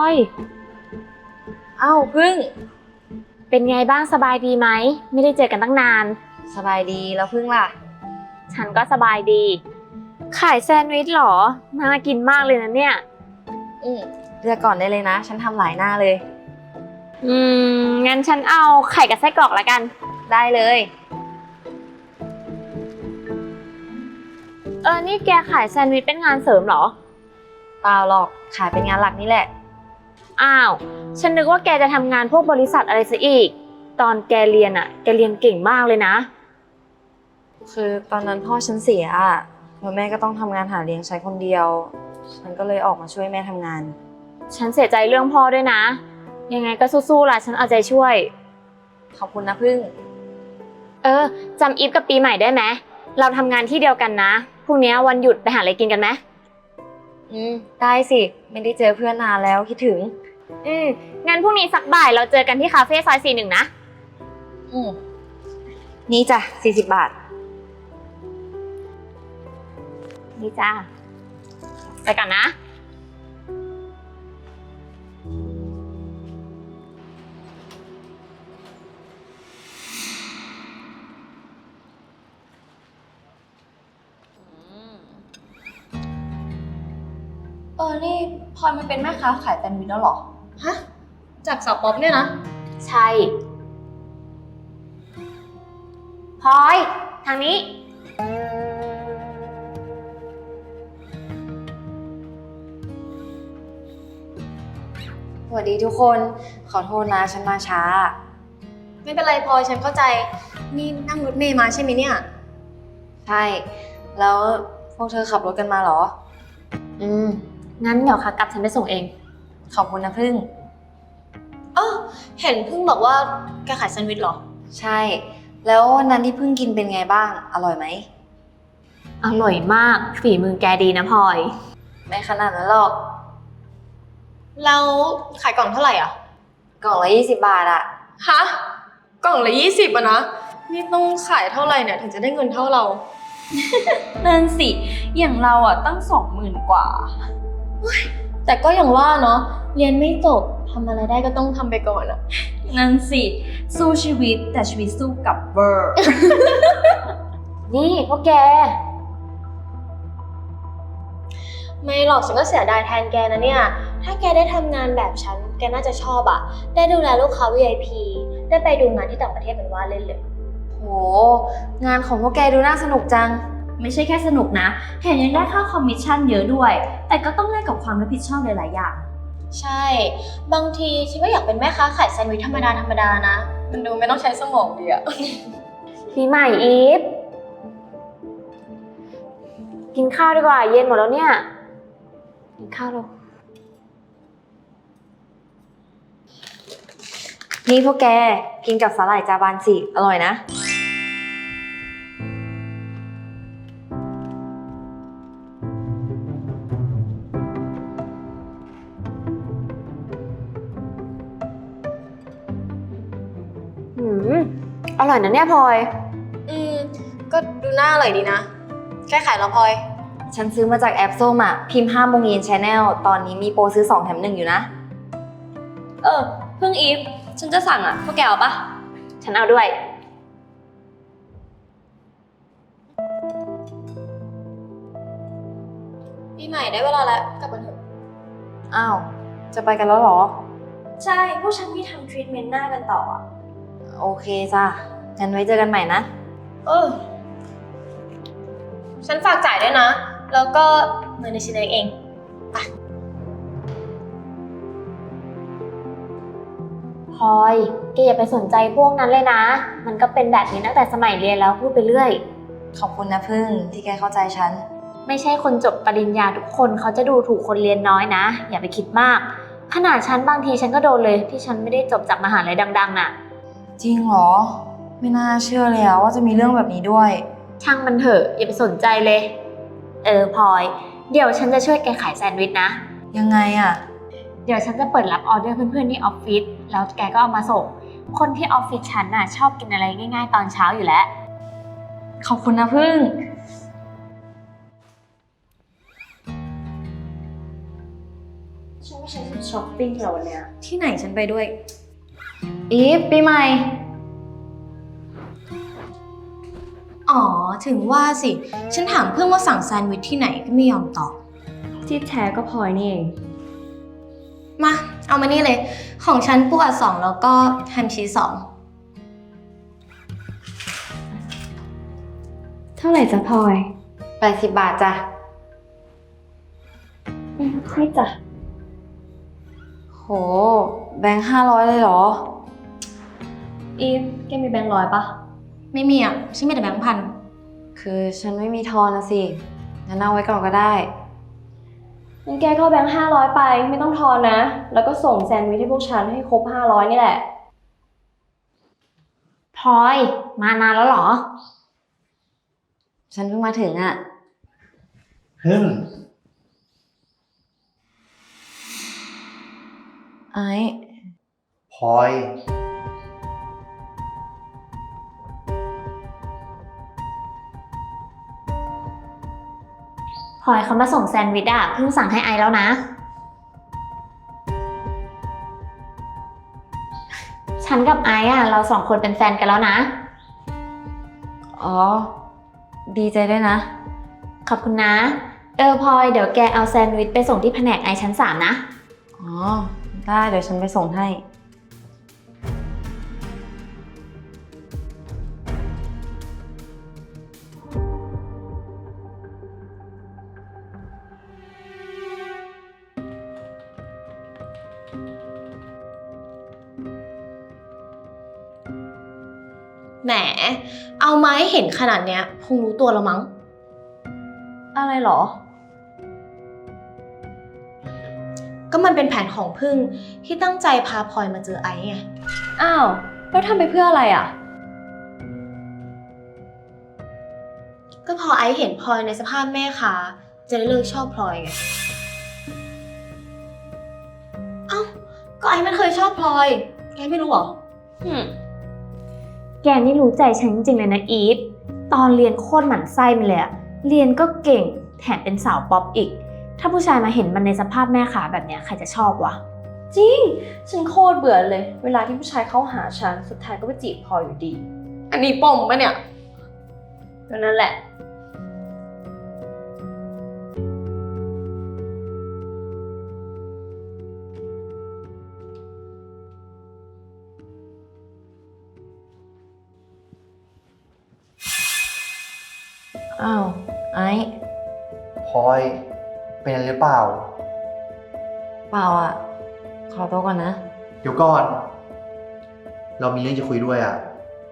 อ้าวพึ่งเป็นไงบ้างสบายดีไหมไม่ได้เจอกันตั้งนานสบายดีแล้วพึ่งล่ะฉันก็สบายดีขายแซนด์วิชเหรอน่ากินมากเลยนะเนี่ยเลือกก่อนได้เลยนะฉันทำหลายหน้าเลยงั้นฉันเอาไข่กับไส้กรอกละกันได้เลยนี่แกขายแซนด์วิชเป็นงานเสริมเหรอเปล่าหรอกขายเป็นงานหลักนี่แหละอ้าวฉันนึกว่าแกจะทำงานพวกบริษัทอะไรซะอีกตอนแกเรียนแกเรียนเก่งมากเลยนะคือตอนนั้นพ่อฉันเสียแล้วแม่ก็ต้องทำงานหาเลี้ยงใช้คนเดียวฉันก็เลยออกมาช่วยแม่ทำงานฉันเสียใจเรื่องพ่อด้วยนะยังไงก็สู้ๆล่ะฉันเอาใจช่วยขอบคุณนะพึ่งจำอีฟกับปีใหม่ได้ไหมเราทำงานที่เดียวกันนะพรุ่งนี้วันหยุดไปหาอะไรกินกันไหมได้สิไม่ได้เจอเพื่อนนานแล้วคิดถึงงั้นพรุ่งนี้สักบ่ายเราเจอกันที่คาเฟ่ซอย41นะนี่จ้ะ40 บาทนี่จ้าไปกันนะนี่พลอยมันเป็นแม่ค้าขายแซนด์วิชแล้วหรอฮะจากสาวป๊อปเนี่ยนะใช่พลอยทางนี้สวัสดีทุกคนขอโทษนะฉันมาช้าไม่เป็นไรพลอยฉันเข้าใจนี่นั่งรถเมล์มาใช่ไหมเนี่ยใช่แล้วพวกเธอขับรถกันมาเหรองั้นเดี๋ยวค่ะกลับฉันไปส่งเองขอบคุณนะพึ่งเห็นพึ่งบอกว่าแกขายแซนด์วิชเหรอใช่แล้ววันนั้นที่พึ่งกินเป็นไงบ้างอร่อยไหมอร่อยมากฝีมือแกดีนะพลอยไม่ขนาดนั้นหรอกแล้วขายกล่องเท่าไหร่อ่ะกล่องละ20 บาทอะฮะกล่องละ20อะนะนี่ต้องขายเท่าไหร่เนี่ยถึงจะได้เงินเท่าเรา นั่นสิอย่างเราอ่ะตั้ง20,000 กว่าแต่ก็อย่างว่าเนาะเรียนไม่จบทำอะไรได้ก็ต้องทำไปก่อนอะนั่นสิสู้ชีวิตแต่ชีวิตสู้กับเวอร์นี่พวกแกไม่หรอกฉันก็เสียดายแทนแกนะเนี่ยถ้าแกได้ทำงานแบบฉันแกน่าจะชอบอะได้ดูแลลูกค้า VIP ได้ไปดูงานที่ต่างประเทศเป็นว่าเล่นเลยโหงานของพวกแกดูน่าสนุกจังไม่ใช่แค่สนุกนะแถมยังได้ค่าคอมมิชชั่นเยอะด้วยแต่ก็ต้องแลกกับความรับผิดชอบหลายๆอย่างใช่บางทีฉันก็อยากเป็นแม่ค้าขายแซนด์วิชธรรมดานะมันดูไม่ต้องใช้สมองดีอะปีใหม่อีฟกินข้าวดีกว่าเย็นหมดแล้วเนี่ยกินข้าวแล้วนี่พวกแกกินกับสาหร่ายจาบานสิอร่อยนะอร่อยนะเนี่ยพลอยก็ดูน่าอร่อยดีนะแค่ขายแล้วพลอยฉันซื้อมาจากแอปส้มอ่ะพิมพ์5 โมงเย็น Channel ตอนนี้มีโปรซื้อ2 แถม 1อยู่นะเพิ่งอีฟฉันจะสั่งอ่ะพวกแกเอาปะฉันเอาด้วยปีใหม่ได้เวลาแล้วกลับกันเถอะอ้าวจะไปกันแล้วเหรอใช่พวกฉันมีทำทรีทเมนต์หน้ากันต่ออ่ะโอเคจ้ะงั้นไว้เจอกันใหม่นะฉันฝากจ่ายด้วยนะแล้วก็เงินในชิ้นเองไปพลอยแกอย่าไปสนใจพวกนั้นเลยนะมันก็เป็นแบบนี้ตั้งแต่สมัยเรียนแล้วพูดไปเรื่อยขอบคุณนะพึ่งที่แกเข้าใจฉันไม่ใช่คนจบปริญญาทุกคนเขาจะดูถูกคนเรียนน้อยนะอย่าไปคิดมากขนาดฉันบางทีฉันก็โดนเลยที่ฉันไม่ได้จบจากมหาลัยดังๆน่ะจริงเหรอไม่น่าเชื่อเลยว่าจะมีเรื่องแบบนี้ด้วยช่างมันเถอะอย่าไปสนใจเลยพลอยเดี๋ยวฉันจะช่วยแกขายแซนด์วิชนะยังไงอะเดี๋ยวฉันจะเปิดรับออเดอร์เพื่อนๆที่ออฟฟิศแล้วแกก็เอามาส่งคนที่ออฟฟิศฉันน่ะชอบกินอะไรง่ายๆตอนเช้าอยู่แล้วขอบคุณนะพึ่งฉันไม่ฉันจะช้อปปิ้งเหรอวันเนี้ยที่ไหนฉันไปด้วยอีฟปีใหม่อ๋อ ถึงว่าสิ ฉันถามเพื่อนว่าสั่งแซนด์วิชที่ไหนก็ไม่ยอมตอบที่แท้ก็พลอยนี่เองมา เอามานี่เลย ของฉันปูอัด2แล้วก็แฮมชีส2 เท่าไหร่จ๊ะพลอย 80 บาทจ้ะให้จ้ะโห แบงค์500เลยเหรออีฟแกมีแบงค์100ปะไม่มีอ่ะ ฉันมีแต่แบงค์พันคือฉันไม่มีทอนนะสิงั้นเอาไว้ก่อนก็ได้งั้นแกก็เอาแบงค์500ไปไม่ต้องทอนนะ แล้วก็ส่งแซนด์วิชให้พวกฉันให้ครบ500นี่แหละพลอยมานานแล้วเหรอฉันเพิ่งมาถึงอ่ะ ไอ้พลอยพลอยเขามาส่งแซนด์วิชอะเพิ่งสั่งให้ไอแล้วนะ ฉันกับไออะเราสองคนเป็นแฟนกันแล้วนะอ๋อ ดีใจด้วยนะขอบคุณนะ พลอยเดี๋ยวแกเอาแซนด์วิชไปส่งที่แผนกไอชั้น 3นะอ๋อ ได้เดี๋ยวฉันไปส่งให้แหม เอามาให้เห็นขนาดเนี้ยคงรู้ตัวแล้วมั้งอะไรเหรอก็มันเป็นแผนของพึ่งที่ตั้งใจพาพลอยมาเจอไอซ์ไงอ้าว แล้วทำไปเพื่ออะไรอ่ะก็พอไอซ์เห็นพลอยในสภาพแม่ค้าจะได้เลิกชอบพลอยไง เอ้า ก็ไอซ์มันเคยชอบพลอย แกไม่รู้เหรอแกนี่รู้ใจฉันจริงๆเลยนะอีฟ ตอนเรียนโคตรหมั่นไส้มันเลยอะเรียนก็เก่งแถมเป็นสาวป๊อปอีก ถ้าผู้ชายมาเห็นมันในสภาพแม่ขาแบบเนี้ยใครจะชอบวะจริง ฉันโคตรเบื่อเลย เวลาที่ผู้ชายเข้าหาฉัน สุดท้ายก็ไปจีบพลอยอยู่ดีอันนี้ปมปะเนี่ยก็นั่นแหละอ้าว ไอ้พลอย เป็นอะไรหรือเปล่าเปล่าอ่ะ ขอตัวก่อนนะเดี๋ยวก่อน เรามีเรื่องจะคุยด้วยอ่ะ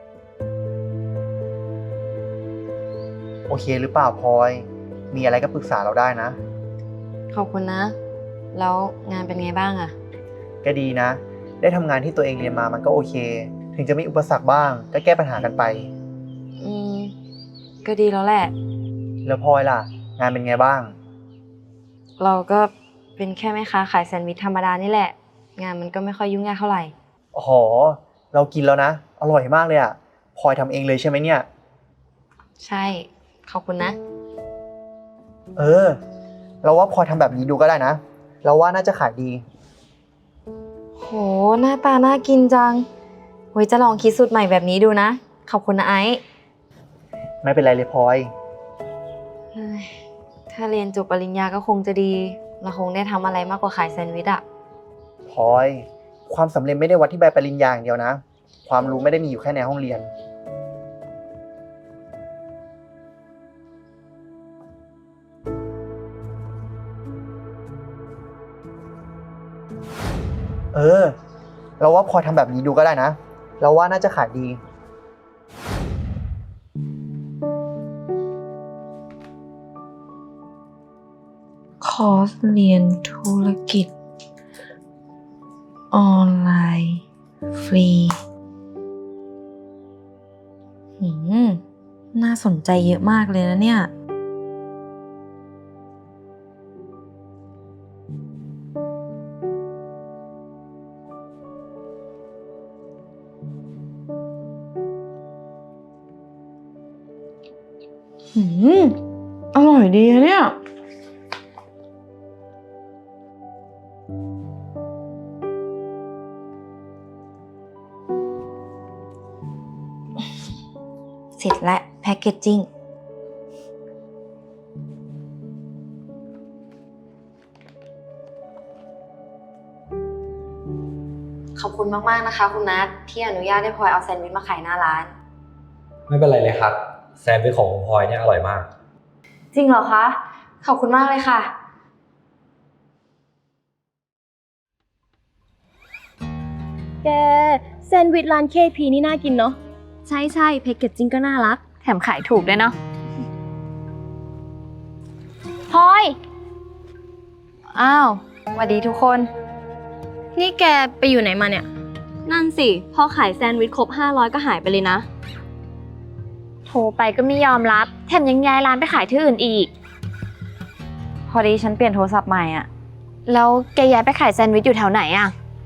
โอเคหรือเปล่าพลอย มีอะไรก็ปรึกษาเราได้นะขอบคุณนะ แล้วงานเป็นไงบ้างอ่ะก็ดีนะ ได้ทำงานที่ตัวเองเรียนมามันก็โอเค ถึงจะมีอุปสรรคบ้าง ก็แก้ปัญหากันไปอืม ก็ดีแล้วแหละแล้วพลอยล่ะ งานเป็นไงบ้างเราก็เป็นแค่แม่ค้าขายแซนด์วิชธรรมดานี่แหละ งานมันก็ไม่ค่อยยุ่งยากเท่าไหร่อ๋อ เรากินแล้วนะ อร่อยมากเลยอ่ะพลอยทำเองเลยใช่ไหมเนี่ยใช่ ขอบคุณนะเราว่าพลอยทำแบบนี้ดูก็ได้นะ เราว่าน่าจะขายดีโห หน้าตาน่ากินจังไว้จะลองคิดสูตรใหม่แบบนี้ดูนะ ขอบคุณนะไอซ์ไม่เป็นไรเลยพลอยเฮ้ยถ้าเรียนจบปริญญาก็คงจะดี เราคงได้ทำอะไรมากกว่าขายแซนด์วิชอะพลอย ความสำเร็จไม่ได้วัดที่ใบปริญญาอย่างเดียวนะ ความรู้ไม่ได้มีอยู่แค่ในห้องเรียน เราว่าพลอยทำแบบนี้ดูก็ได้นะ เราว่าน่าจะขายดีคอร์สเรียนธุรกิจ ออนไลน์ ฟรี น่าสนใจเยอะมากเลยนะเนี่ย อร่อยดีอะเนี่ยเสร็จและแพคเกจจิ้ง ขอบคุณมากๆนะคะคุณนัทที่อนุญาตให้พลอยเอาแซนด์วิชมาขายหน้าร้านไม่เป็นไรเลยครับ แซนด์วิชของคุณพลอยเนี่ยอร่อยมากจริงเหรอคะ ขอบคุณมากเลยค่ะแกแซนด์วิชร้าน KP นี่น่ากินเนาะใช่ใช่แพคเกจจิ้งก็น่ารัก แถมขายถูกด้วยเนาะพลอยอ้าวสวัสดีทุกคนนี่แกไปอยู่ไหนมาเนี่ย นั่นสิ พอขายแซนด์วิชครบ 500 ก็หายไปเลยนะโทรไปก็ไม่ยอมรับ แถมยังย้ายร้านไปขายที่อื่นอีกพอดีฉันเปลี่ยนโทรศัพท์ใหม่อ่ะแล้วแกย้ายไปขายแซนด์วิชอยู่แถวไหนอะ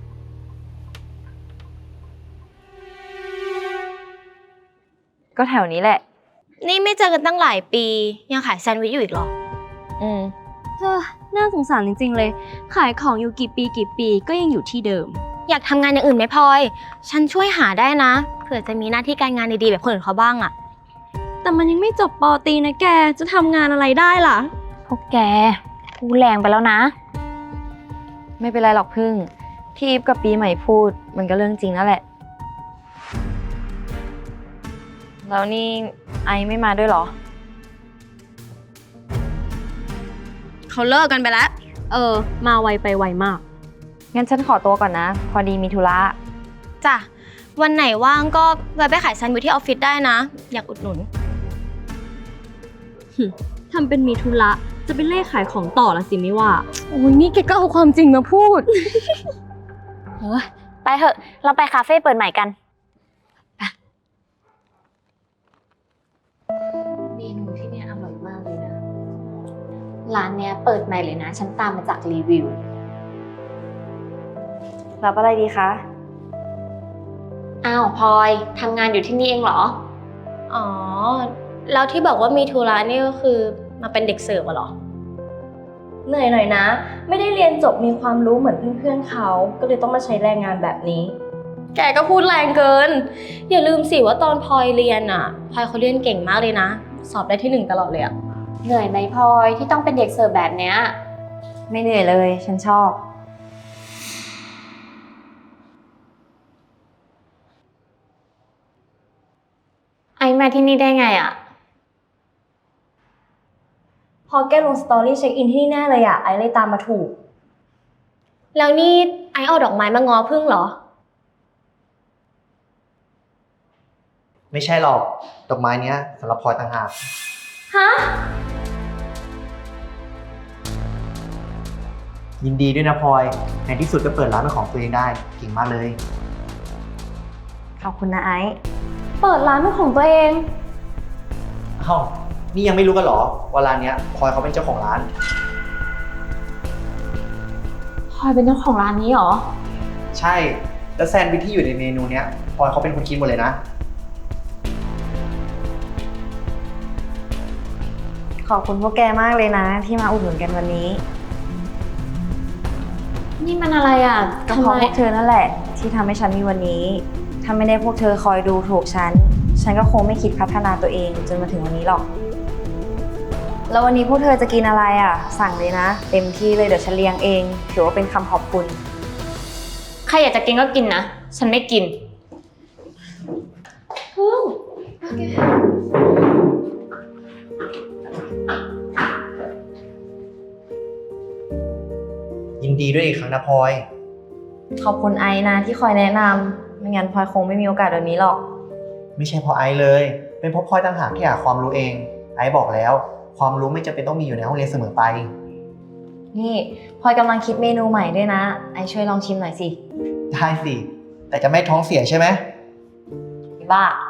ก็แถวนี้แหละนี่ไม่เจอกันตั้งหลายปี ยังขายแซนด์วิชอยู่อีกเหรออืมน่าสงสารจริงๆเลย ขายของอยู่กี่ปีก็ยังอยู่ที่เดิม อยากทำงานอย่างอื่นไหมพลอย ฉันช่วยหาได้นะ เผื่อจะมีหน้าที่การงานดีๆแบบคนอื่นเขาบ้างอะแต่มันยังไม่จบป.ตรีนะแก จะทำงานอะไรได้ล่ะพวกแกพูดแรงไปแล้วนะไม่เป็นไรหรอกพึ่ง ที่อีฟกับปีใหม่พูด มันก็เรื่องจริงนั่นแหละ แล้วนี่ไอไม่มาด้วยเหรอเขาเลิกกันไปแล้ว มาไวไปไวมากงั้นฉันขอตัวก่อนนะ พอดีมีธุระจ้ะ วันไหนว่างก็แวะไปขายแซนด์วิชที่ออฟฟิศได้นะ อยากอุดหนุน ทำเป็นมีธุระ จะไปเล่ขายของต่อละสิไม่ว่า โอ้ยนี่แกก็เอาความจริงมาพูดไปเถอะ เราไปคาเฟ่เปิดใหม่กันเมนูที่เนี่ยอร่อยมากเลยนะ ร้านเนี้ยเปิดใหม่เลยนะ ฉันตามมาจากรีวิวรับอะไรดีคะอ้าวพลอยทำงานอยู่ที่นี่เองเหรออ๋อ แล้วที่บอกว่ามีธุระนี่ก็คือมาเป็นเด็กเสิร์ฟเหรอ เหนื่อยหน่อยนะ ไม่ได้เรียนจบมีความรู้เหมือนเพื่อนๆเขา ก็เลยต้องมาใช้แรงงานแบบนี้ แกก็พูดแรงเกิน อย่าลืมสิว่าตอนพลอยเรียนอ่ะพลอยเขาเรียนเก่งมากเลยนะ สอบได้ที่ 1ตลอดเลยอะเหนื่อยไหมพลอยที่ต้องเป็นเด็กเสิร์ฟแบบเนี้ยไม่เหนื่อยเลย ฉันชอบไอมาที่นี่ได้ไงอะพอแกลงสตอรี่เช็คอินที่นี่แน่เลยอะไอเลยตามมาถูก แล้วนี่ไอเอาดอกไม้มาง้อพึ่งเหรอไม่ใช่หรอก ดอกไม้เนี้ยสำหรับพลอยต่างหากฮะยินดีด้วยนะพลอย ในที่สุดก็เปิดร้านเป็นของตัวเองได้ เก่งมากเลยขอบคุณนะไอซ์เปิดร้านเป็นของตัวเองอ้าว นี่ยังไม่รู้กันเหรอ ว่าร้านเนี้ยพลอยเขาเป็นเจ้าของร้านพลอยเป็นเจ้าของร้านนี้เหรอใช่ แล้วแซนด์วิชที่อยู่ในเมนูเนี้ยพลอยเขาเป็นคนคิดหมดเลยนะขอบคุณพวกแกมากเลยนะ ที่มาอุดหนุนกันวันนี้นี่มันอะไรอะก็เพราะพวกเธอนั่นแหละ ที่ทำให้ฉันมีวันนี้ ถ้าไม่ได้พวกเธอคอยดูถูกฉัน ฉันก็คงไม่คิดพัฒนาตัวเองจนมาถึงวันนี้หรอก แล้ววันนี้พวกเธอจะกินอะไรอ่ะ สั่งเลยนะ เต็มที่เลยเดี๋ยวฉันเลี้ยงเอง ถือว่าเป็นคำขอบคุณใครอยากจะกินก็กินนะ ฉันไม่กินยินดีด้วยอีกครั้งนะพลอยขอบคุณไอซ์นะที่คอยแนะนำไม่งั้นพลอยคงไม่มีโอกาสแบบนี้หรอกไม่ใช่เพราะไอซ์เลย เป็นเพราะพลอยต่างหากที่หาความรู้เอง ไอซ์บอกแล้ว ความรู้ไม่จำเป็นต้องมีอยู่ในห้องเรียนเสมอไปนี่พลอยกำลังคิดเมนูใหม่ด้วยนะ ไอซ์ช่วยลองชิมหน่อยสิได้สิ แต่จะไม่ท้องเสียใช่ไหมบ้า